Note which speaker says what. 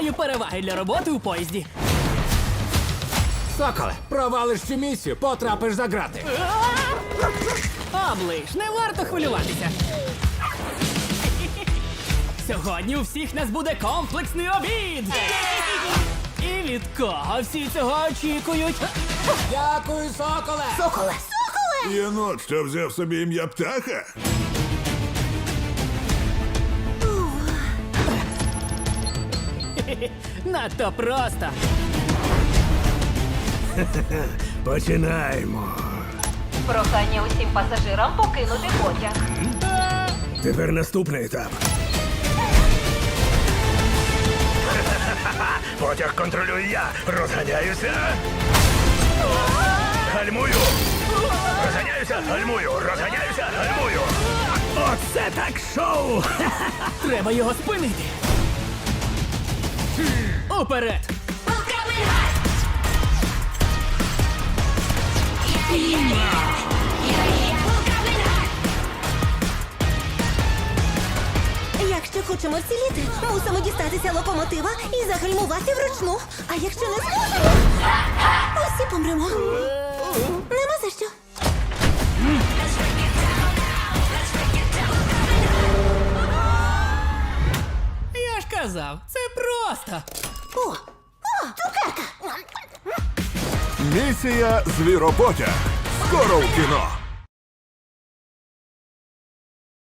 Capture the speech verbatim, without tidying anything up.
Speaker 1: маю переваги для роботи у поїзді.
Speaker 2: Соколе, провалиш цю місію, потрапиш за грати.
Speaker 1: Оближ, не варто хвилюватися. Сьогодні у всіх нас буде комплексний обід. І від кого всі цього очікують?
Speaker 2: Дякую, соколе!
Speaker 3: Соколе!
Speaker 4: Єнот, що взяв собі ім'я птаха?
Speaker 1: Надто просто.
Speaker 5: Починаємо.
Speaker 3: Прохання усім пасажирам покинути потяг.
Speaker 5: Тепер наступний етап. Потяг контролюю я. Розганяюся. Гальмую. Розганяюся, гальмую. Розганяюся, гальмую. Оце так шоу!
Speaker 1: Треба його спинити. Уперед!
Speaker 6: Якщо хочемо вціліти, мусимо дістатися локомотива і загальмувати вручну. А якщо не зможемо, усі помремо. Нема за що.
Speaker 1: Я ж казав, це просто.
Speaker 6: О, о, цукерка.
Speaker 4: Місія Звіропотяг. Скоро в кіно.